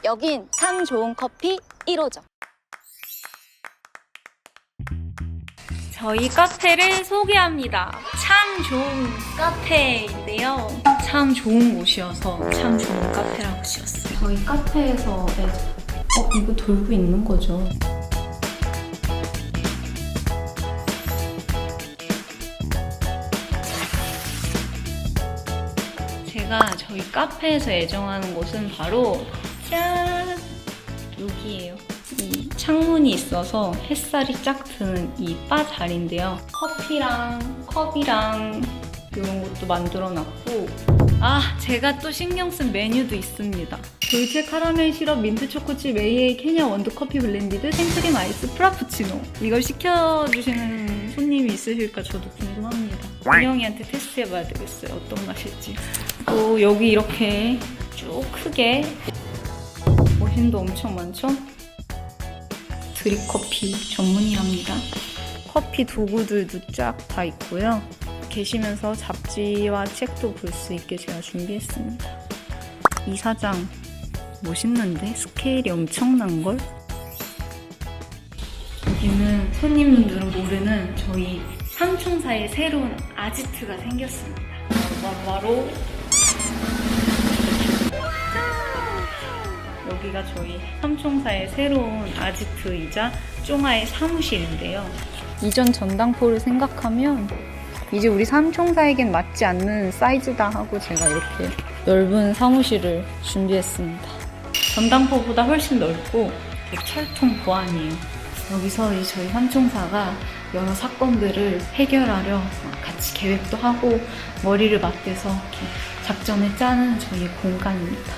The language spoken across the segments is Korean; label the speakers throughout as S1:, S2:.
S1: 여긴 참 좋은 커피 1호점. 저희 카페를 소개합니다. 참 좋은 카페인데요. 참 좋은 곳이어서 참 좋은 카페라고 지었어요. 저희 카페에서 이거 돌고 있는 거죠. 제가 저희 카페에서 애정하는 곳은 바로 짠! 여기예요. 이 창문이 있어서 햇살이 쫙 드는 이 바 자리인데요. 커피랑 컵이랑 이런 것도 만들어 놨고, 제가 또 신경 쓴 메뉴도 있습니다. 돌체 카라멜 시럽 민트 초코칩 AA 케냐 원두 커피 블렌디드 생크림 아이스 프라푸치노. 이걸 시켜주시는 손님이 있으실까 저도 궁금합니다. 은영이한테 테스트해봐야 되겠어요. 어떤 맛일지. 또 여기 이렇게 쭉 크게 머신도 엄청 많죠? 드립커피 전문이랍니다. 커피 도구들도 쫙 다 있고요. 계시면서 잡지와 책도 볼 수 있게 제가 준비했습니다. 이 사장 멋있는데? 스케일이 엄청난걸? 여기는 손님들은 모르는 저희 삼총사의 새로운 아지트가 생겼습니다. 바로 여기가 저희 삼총사의 새로운 아지트이자 쫑아의 사무실인데요. 이전 전당포를 생각하면 이제 우리 삼총사에겐 맞지 않는 사이즈다 하고 제가 이렇게 넓은 사무실을 준비했습니다. 전당포보다 훨씬 넓고 철통 보안이에요. 여기서 이제 저희 삼총사가 여러 사건들을 해결하려 같이 계획도 하고 머리를 맞대서 이렇게 작전을 짜는 저희 공간입니다.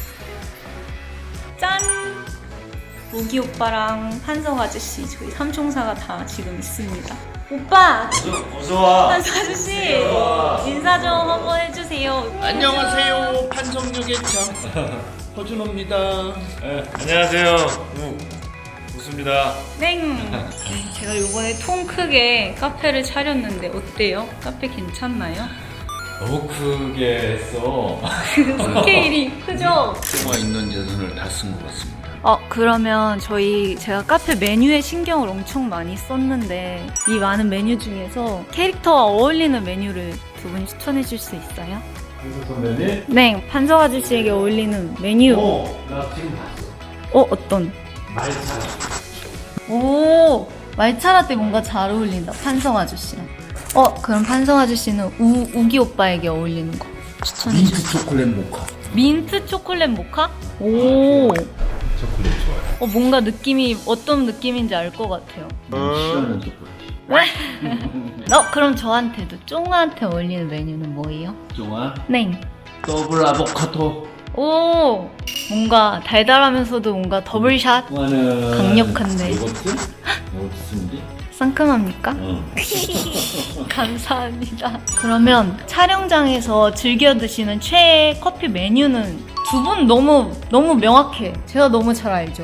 S1: 짠! 우기 오빠랑 한석 아저씨 저희 삼총사가 다 지금 있습니다. 오빠!
S2: 어서와.
S1: 한석 아저씨! 인사 좀 한번 해주세요.
S2: 안녕하세요. 판석역의 장 허준호입니다. 네, 안녕하세요. 우수입니다.
S1: 땡! 제가 이번에 통 크게 카페를 차렸는데 어때요? 카페 괜찮나요?
S2: 너무 크게 했어.
S1: 스케일이 크죠?
S2: 가 있는 예산을 다 쓴 것 같습니다.
S1: 그러면 제가 카페 메뉴에 신경을 엄청 많이 썼는데 이 많은 메뉴 중에서 캐릭터와 어울리는 메뉴를 두 분이 추천해 줄 수 있어요?
S2: 한석 선배님?
S1: 네, 판석 아저씨에게 어울리는 메뉴.
S2: 나 지금 봤어.
S1: 어떤?
S2: 말차.
S1: 오, 말차라떼 뭔가 잘 어울린다. 판석 아저씨랑. 그럼 판석 아저씨는 우기 오빠에게 어울리는 거 추천해
S2: 민트
S1: 주세요.
S2: 초콜릿 모카.
S1: 민트 초콜릿 모카? 오.
S2: 초콜릿 좋아요.
S1: 뭔가 느낌이 어떤 느낌인지 알 것 같아요.
S2: 싫어하는 초콜릿.
S1: 그럼 저한테도 쫑아한테 어울리는 메뉴는 뭐예요?
S2: 좋아.
S1: 네.
S2: 더블 아보카도.
S1: 오, 뭔가 달달하면서도 뭔가 더블샷.
S2: 좋아하는
S1: 강력한데.
S2: 요거트? 요거트 스무디?
S1: 상큼합니까?
S2: 응.
S1: 감사합니다. 그러면 촬영장에서 즐겨 드시는 최애 커피 메뉴는 두 분 너무 명확해. 제가 너무 잘 알죠.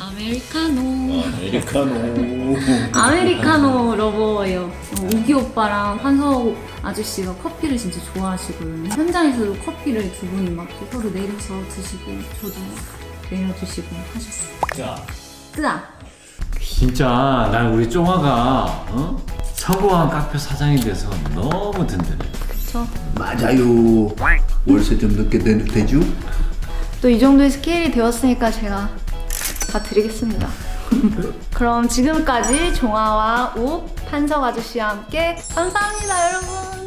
S1: 아메리카노 러버예요. 우기 오빠랑 한석 아저씨가 커피를 진짜 좋아하시거든요. 현장에서도 커피를 두 분이 막 서로 내려서 드시고 저도 내려주시고 하셨어요.
S2: 자.
S1: 뜨아.
S3: 진짜 난 우리 쫑아가 서구한 카페 사장이 돼서 너무 든든해.
S1: 그쵸?
S4: 맞아요. 월세 좀 늦게 내도 되죠?
S1: 또 이 정도의 스케일이 되었으니까 제가 다 드리겠습니다. 그럼 지금까지 종아와 욱, 판석 아저씨와 함께 감사합니다, 여러분.